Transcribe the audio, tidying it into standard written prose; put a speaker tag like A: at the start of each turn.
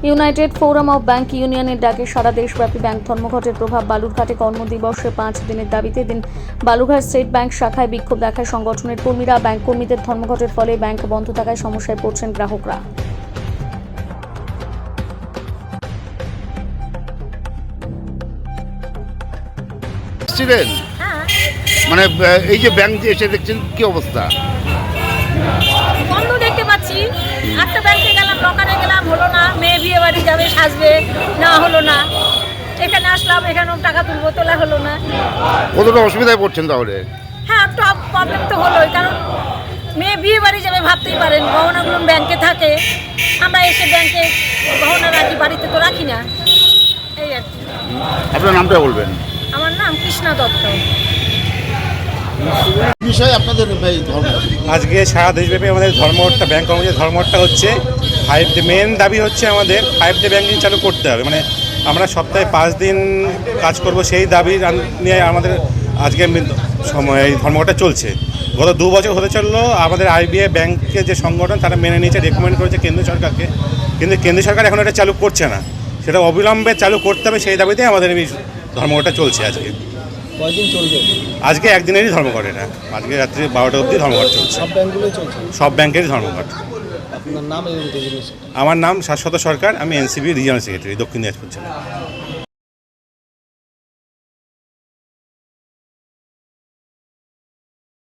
A: United forum of bank ইউনিয়নের ডাকে সারা দেশব্যাপী ব্যাংক ধর্মঘটের প্রভাব। বালুরঘাটে কর্মদিবসে 5 দিনের দাবিতে দিন বালুরঘাট স্টেট ব্যাংক শাখায় বিক্ষোভ দেখায় সংগঠনের কর্মীরা। ব্যাংক কর্মীদের ধর্মঘটের ফলে ব্যাংক বন্ধ থাকায় সমস্যায় পড়ছেন গ্রাহকরা।
B: মানে এই যে ব্যাংক যে এসে দেখছেন কি অবস্থা?
C: বন্ধ দেখতে পাচ্ছি। একটা ব্যাংকে গেলাম, দোকানে গেলাম, হলো না। মেয়ে বিয়ে বাড়ি যাবে, সাজবে, না হলো না। এখানে আসলাম, এখানেও টাকা তুলবো, তোলা হলো না।
B: কতটা অসুবিধায় পড়ছেন তাহলে?
C: হ্যাঁ, একটু প্রবলেম তো হলোই, কারণ মেয়ে বিয়ে বাড়ি যাবে, ভাবতেই পারেন গহনাগুলো ব্যাংকে থাকে। আমরা এসে ব্যাংকে গহনা রাখি, বাড়িতে তো রাখি না। এই আর কি।
B: আপনার নামটা বলবেন?
C: আমার নাম কৃষ্ণা দত্ত।
B: বিষয় আপনাদের এই ধর্ম
D: আজকে সারা দেশব্যাপী আমাদের ধর্মঘটটা, ব্যাংক কর্মচারী ধর্মঘটটা হচ্ছে। মেন দাবি হচ্ছে আমাদের 5 ডে ব্যাংকিং চালু করতে হবে। মানে আমরা সপ্তাহে 5 দিন কাজ করব, সেই দাবি নিয়ে আমাদের আজকে এই ধর্মঘটটা চলছে। গত 2 বছর হতে চললো। আমাদের আইবিআই ব্যাংকের যে সংগঠন তারা মেনে নিয়েছে, রেকমেন্ড করেছে কেন্দ্র সরকারকে, কিন্তু কেন্দ্র সরকার এখন এটা চালু করছে না। সেটা অবিলম্বে চালু করতে হবে, সেই দাবিতেই আমাদের এই ধর্মঘটটা চলছে। আজকে
E: কয়দিন চলবে?
D: আজকে একদিনেরই ধর্মঘট। এটা আজকে রাত্রি 12টা অবধি ধর্মঘট চলছে।
E: সব ব্যাংকগুলোই চলছে?
D: সব ব্যাংকেরই ধর্মঘট।
E: আপনার নাম এবং
D: আমার নাম শাশ্বত সরকার, আমি এনসিবি রিজিয়নাল সেক্রেটারি, দক্ষিণ দিনাজপুর জেলা।